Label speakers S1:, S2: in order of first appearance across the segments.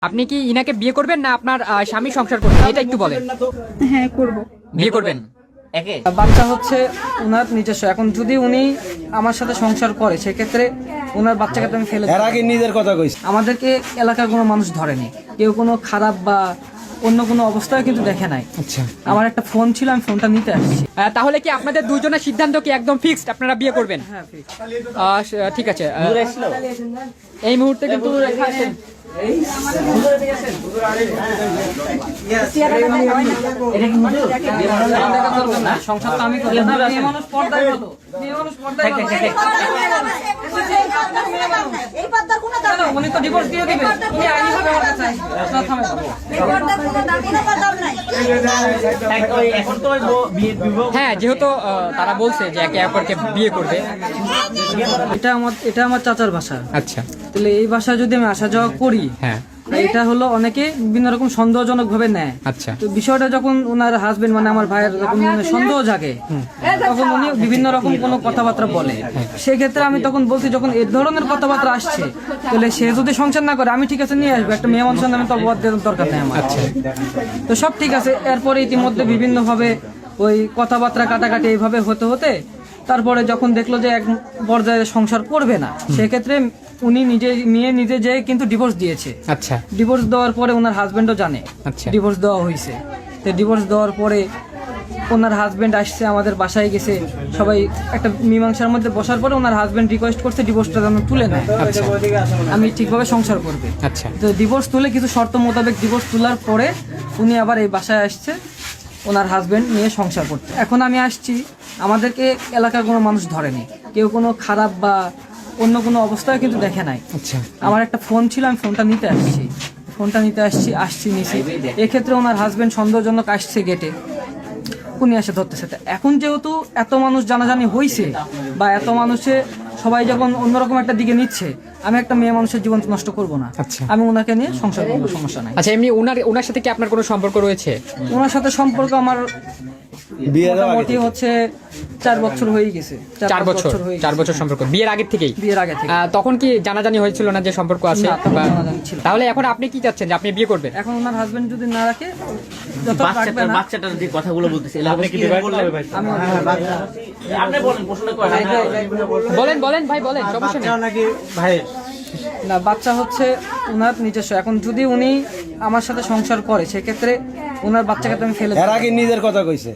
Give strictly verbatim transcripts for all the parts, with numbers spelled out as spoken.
S1: আপনি কি ইনাকে বিয়ে করবেন না আপনার আহ, স্বামী সংসার করবেন এটা একটু বলেন।
S2: হ্যাঁ করব।
S1: বিয়ে করবেন?
S3: একে
S4: বাচ্চা হচ্ছে ওনার নিজস্ব। এখন যদি উনি আমার সাথে সংসার করে সেক্ষেত্রে ওনার বাচ্চাকে তো আমি ফেলে
S5: এর আগে নিজের কথা কইছি।
S4: আমাদেরকে এলাকার কোনো মানুষ ধরেনি, কেউ কোনো খারাপ বা অন্য কোনো অবস্থায় কিন্তু দেখে নাই।
S1: আচ্ছা,
S4: আমার একটা ফোন ছিল, আমি ফোনটা নিতে আসছি।
S1: আহ, তাহলে কি আপনাদের দুইজনের সিদ্ধান্ত কি একদম ফিক্সড আপনারা বিয়ে করবেন?
S4: হ্যাঁ ঠিক।
S1: আহ, স- ঠিক আছে। আহ, এই মুহূর্তে কিন্তু এখানে
S4: সংসার তো আমি করি না, মেয়ে মানুষ পর্দায় কত মেয়ে মানুষ পর্দায় কত।
S6: এই পর্দার কোনো দাম নাই।
S4: উনি তো ডিভোর্স দিয়ে দিবেন, উনি আইনিভাবে আমার কাছে আসবে। আপনারা থামেন।
S6: এই পর্দার কোনো দাম কোনো দাম নাই।
S3: এখন তো ওই বউ- বিয়ে- বিবাহ
S1: হ্যাঁ, যেহেতু আহ, তারা বলছে যে একে অপরকে বিয়ে করবে।
S4: এটা আমার এটা আমার চাচার বাসা।
S1: আচ্ছা,
S4: তাহলে এই বাসায় যদি আমি আসা যাওয়া করি,
S1: হ্যাঁ,
S4: এটা হলো অনেকে বিভিন্ন রকম সন্দেহজনক ভাবে নেয়।
S1: আচ্ছা,
S4: তো বিষয়টা যখন ওনার হাজবেন্ড মানে আমার ভাইয়ের যখন মানে সন্দেহ জাগে, তখন উনি বিভিন্ন রকম কোনো কথাবার্তা বলে। সেক্ষেত্রে আমি তখন বলছি, যখন এই ধরনের কথাবার্তা আসছে, তাহলে সে যদি সংসার না করে আমি ঠিক আছে নিয়ে আসবো, একটা মেয়ে মানুষের নামে তো অপবাদ দেওয়ার দরকার নেই আমার। তো সব ঠিক আছে। এরপরে ইতিমধ্যে বিভিন্ন ভাবে ওই কথাবার্তা কাটাকাটি এইভাবে হতে হতে তারপরে যখন দেখলো যে এক পর্যায়ে সংসার করবে না, সেক্ষেত্রে উনি নিজে মেয়ে নিজে যে কিন্তু ডিভোর্স দিয়েছে।
S1: আচ্ছা,
S4: ডিভোর্স দেওয়ার পরে ওনার হাজবেন্ডও জানে
S1: আচ্ছা।
S4: ডিভোর্স দেওয়া হয়েছে। তো ডিভোর্স দেওয়ার পরে ওনার হাজবেন্ড আসছে আমাদের বাসায়, গেছে সবাই একটা মীমাংসার মধ্যে বসার পরে ওনার হাজবেন্ড রিকোয়েস্ট করছে ডিভোর্সটা যেন তুলে নেয়,
S1: আচ্ছা,
S4: আমি ঠিকভাবে সংসার করবে।
S1: আচ্ছা,
S4: তো ডিভোর্স তুলে কিছু শর্ত মোতাবেক ডিভোর্স তোলার পরে উনি আবার এই বাসায় আসছে ওনার হাজবেন্ড নিয়ে সংসার করতে। এখন আমি আসছি, আমাদেরকে এলাকার কোনো মানুষ ধরেনি, কেউ কোনো খারাপ বা অন্য কোনো অবস্থায় কিন্তু দেখে নাই।
S1: আচ্ছা,
S4: আমার একটা ফোন ছিল, আমি ফোনটা নিতে আসছি ফোনটা নিতে আসছি আসছি নিছি। এক্ষেত্রে ওনার হাজবেন্ড সন্দেহজনক আসছে গেটে, উনি এসে ধরতেছে। তা এখন যেহেতু এত মানুষ জানাজানি হয়েছে বা এত মানুষে সবাই যখন অন্যরকম একটা দিকে নিচ্ছে, আমি একটা মেয়ে মানুষের জীবন তো নষ্ট করবো না।
S1: আচ্ছা।
S4: আমি ওনাকে নিয়ে সংসার করবো, সমস্যা নাই।
S1: আচ্ছা। এমনি ওনার ওনার সাথে কি আপনার কোনো সম্পর্ক রয়েছে?
S4: ওনার সাথে সম্পর্ক আমার
S5: বিয়ে দেওয়া
S4: মোটামুটি হচ্ছে চার বছর হয়ে গেছে।
S1: চার
S4: পাঁচ
S1: বছর
S4: হয়ে
S1: চার
S4: গেছে।
S1: বছর সম্পর্ক বিয়ের আগের থেকেই?
S4: বিয়ের আগে থেকে।
S1: আহ, তখন কি জানাজানি হয়েছিল না যে সম্পর্ক আছে?
S4: না, তখন
S1: বা-
S4: জানাজানি ছিল না।
S1: তাহলে এখন আপনি কি চাচ্ছেন যে আপনি বিয়ে করবেন?
S4: এখন ওনার হাজবেন্ড যদি না রাখে, যত রাখবে
S3: বাচ্চাটার
S4: না,
S3: বাচ্চাটার যে কথাগুলো বলতেছে আপনি কি বললেন?
S4: আমি
S3: আপনি বলেন, প্রশ্নটা করেন।
S1: বলেন বলেন ভাই বলেন, সমস্যা নেই।
S5: নাকি ভাই
S4: না, বাচ্চা হচ্ছে ওনার নিজস্ব। এখন যদি উনি আমার সাথে সংসার করে সেক্ষেত্রে ওনার বাচ্চাকে তো আমি ফেলে
S5: এর আগে নিজের কথা কইছে।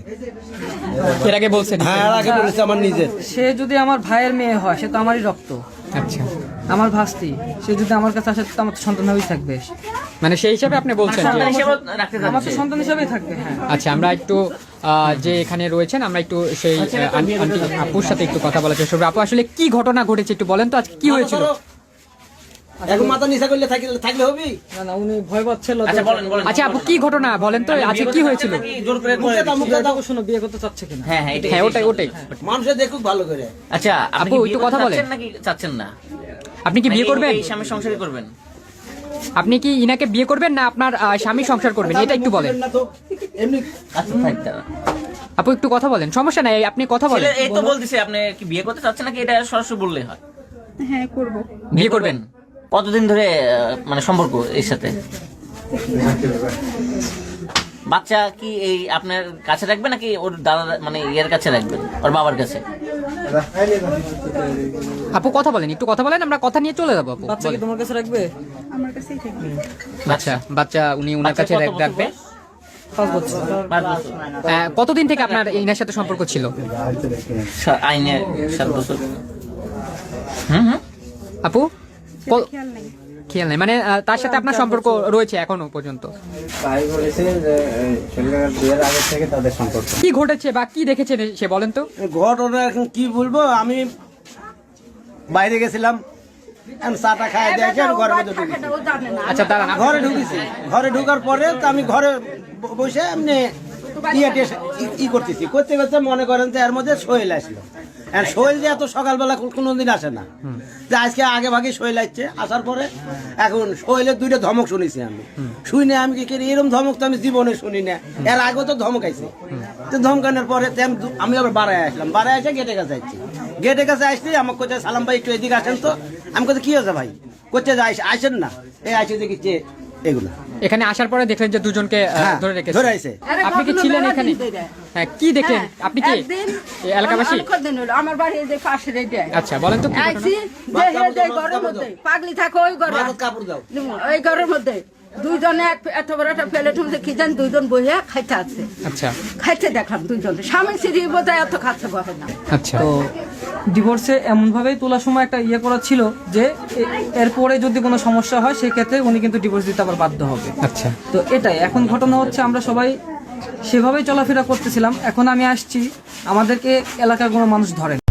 S1: এর আগে বলছেন?
S5: হ্যাঁ, এর আগে বলেছে আমার নিজের।
S4: সে যদি আমার ভাইয়ের মেয়ে হয়, সে তো আমারই রক্ত,
S1: আচ্ছা,
S4: আমার ভাস্তি। সে যদি আমার কাছে আসে তো আমার তো সন্তান হবেই থাকবে।
S1: মানে সেই হিসাবে আপনি বলছেন যে
S3: সন্তান হিসেবে রাখতে
S4: আমার তো
S3: চাচ্ছি।
S4: সন্তান হিসাবেই থাকবে। হ্যাঁ,
S1: আচ্ছা, আমরা একটু আহ, যে এখানে রয়েছেন আমরা একটু সেই আহ, আন্টি আন্টি আপুর সাথে একটু কথা বলার চেষ্টা করবো। আপু, আসলে কি ঘটনা ঘটেছে একটু বলেন তো, আজকে কি হয়েছিল?
S5: এখন মাথা নিচা করলে থাকলে থাকলে হবি।
S4: না না, উনি ভয় পাচ্ছিল।
S3: আচ্ছা, বলেন বলেন।
S1: আচ্ছা আপু, কি ঘটনা বলেন তো, আজকে কি হয়েছিল?
S3: নাকি জোর করে
S5: মুখে দাও, মুখে দাও।
S4: শোনো, বিয়ে করতে চাচ্ছে কিনা?
S3: হ্যাঁ হ্যাঁ, এটাই
S1: হ্যাঁ, ওটাই ওটাই।
S5: মানুষে দেখুক ভালো করে।
S3: আচ্ছা, আপনি
S1: আপু,
S3: কি
S1: একটু
S3: বিয়ে
S1: কথা
S3: করতে
S1: বলেন।
S3: চাচ্ছেন নাকি চাচ্ছেন না?
S1: আপনি কি বিয়ে
S3: নাকি
S1: করবেন?
S3: এই স্বামী সংসারই করবেন?
S1: আপনি কি ইনাকে বিয়ে করবেন না আপনার আহ, স্বামী সংসার করবেন এটা একটু বলেন।
S5: না তো এমনি
S3: আচ্ছা, থাক তাহলে।
S1: আপু, একটু কথা বলেন, সমস্যা নাই, আপনি কথা বলেন।
S3: ছেলে এই তো বলতেছে, আপনি কি বিয়ে করতে চাচ্ছেন নাকি এটা সরাসরি বললেই হয়?
S2: হ্যাঁ করব।
S1: বিয়ে করবেন?
S3: কতদিন ধরে আহ, মানে সম্পর্ক এর সাথে? বাচ্চা কি এই আপনার কাছে রাখবেন নাকি ওর দাদা মানে ইয়ের কাছে রাখবেন, ওর বাবার কাছে?
S1: আপু কথা বলেন, একটু কথা বলেন, আমরা কথা নিয়ে চলে যাবো। আপু
S4: বাচ্চা কি
S1: বলেন।
S4: তোমার কাছে রাখবে?
S2: আমার কাছেই থাকবে।
S1: আচ্ছা, বাচ্চা উনি উনার কাছে
S3: বাচ্চা কত বছর
S1: রাখবে।
S3: বয়স?
S4: পাঁচ বছর।
S3: পাঁচ বছর।
S1: আহ, কতদিন থেকে আপনার ইনার সাথে সম্পর্ক ছিল?
S3: সা- আইনে সাত বছর। হুম হুম।
S1: আপু ক-
S2: খেয়াল নাই।
S1: খেয়াল নাই মানে আহ, তার সাথে আপনার সম্পর্ক রয়েছে এখনো পর্যন্ত?
S7: তাই বলেছে যে ছেলেটার বিয়ের আগে থেকে তাদের সম্পর্ক।
S1: কি ঘটেছে বা কি দেখেছেন সে বলেন তো?
S5: ঘটনা এখন কি বলবো, আমি বাইরে গেছিলাম, আমি চাটা খাই দেখে আমি ঘরের মধ্যে ঢুকেছি।
S1: আচ্ছা দাঁড়ান, আপ-
S5: ঘরে ঢুকেছি, ঘরে ঢুকার পরে তো আমি ঘরে ব- বসে এমনি ইয়ে টেস- ই- ই করতেছি, করতে করতে মনে করেন যে এর মধ্যে সোহেল আসলো। আর সোহেল যে এত সকালবেলা কোনোদিন আসে না, যে আজকে আগে ভাগে সোহেল আসছে। আসার পরে এখন সোহেলের দুইটা ধমক শুনেছি আমি, শুনে আমি কি করি, এরকম ধমক তো আমি জীবনে শুনি না। এর আগেও তো ধমক আইছে, তো ধমকানোর পরে তো আমি দু- আমি আবার বাড়ায় আসলাম, বাড়ায় এসে গেটের কাছে আসছি। গেটের কাছে আসছি, আমাকে কোথায় সালাম ভাই একটু এদিকে আসেন তো। আমি কোথায় কি হয়েছে ভাই, কোথায় যাই আসেন না, এই আসে দেখি যে এগুলা
S1: এখানে আসার পরে দেখলেন যে দুজনকে আহ,
S5: হ্যাঁ,
S1: ধরে রেখেছে
S5: ধরে আইছে।
S1: আপনি কি ছিলেন এখানে? হ্যাঁ, কি দেখলেন আপনি কি
S8: একদিন
S1: এই এলাকাবাসী?
S8: অনেক দিন হলো আমার বাড়ি এই যে পাশের এই যে
S1: আচ্ছা বলেন তো কি ঘটনা?
S8: আইছি যে হে যে ঘরের মধ্যে পাগলি থাকো ওই ঘরে
S5: কাপড় দাও।
S8: ওই ঘরের মধ্যে দুইজনে এক- এত বড় একটা প্লেট মধ্যে কি জান দুইজন বইয়া খাইতে আছে
S1: আচ্ছা
S8: খাইতে দেখলাম দুইজন স্বামী সিঁড়ি বোধহয় এত খাচ্ছে বহে না
S1: আচ্ছা
S4: তো ডিভোর্সে এমনভাবেই তোলার সময় একটা ইয়ে করা ছিল যে এ- এরপরে যদি কোনো সমস্যা হয় সেক্ষেত্রে উনি কিন্তু ডিভোর্স দিতে আবার বাধ্য হবে।
S1: আচ্ছা
S4: তো এটাই এখন ঘটনা হচ্ছে আমরা সবাই সেভাবেই চলাফেরা করতেছিলাম, এখন আমি আসছি আমাদেরকে এলাকার কোনো মানুষ ধরে না।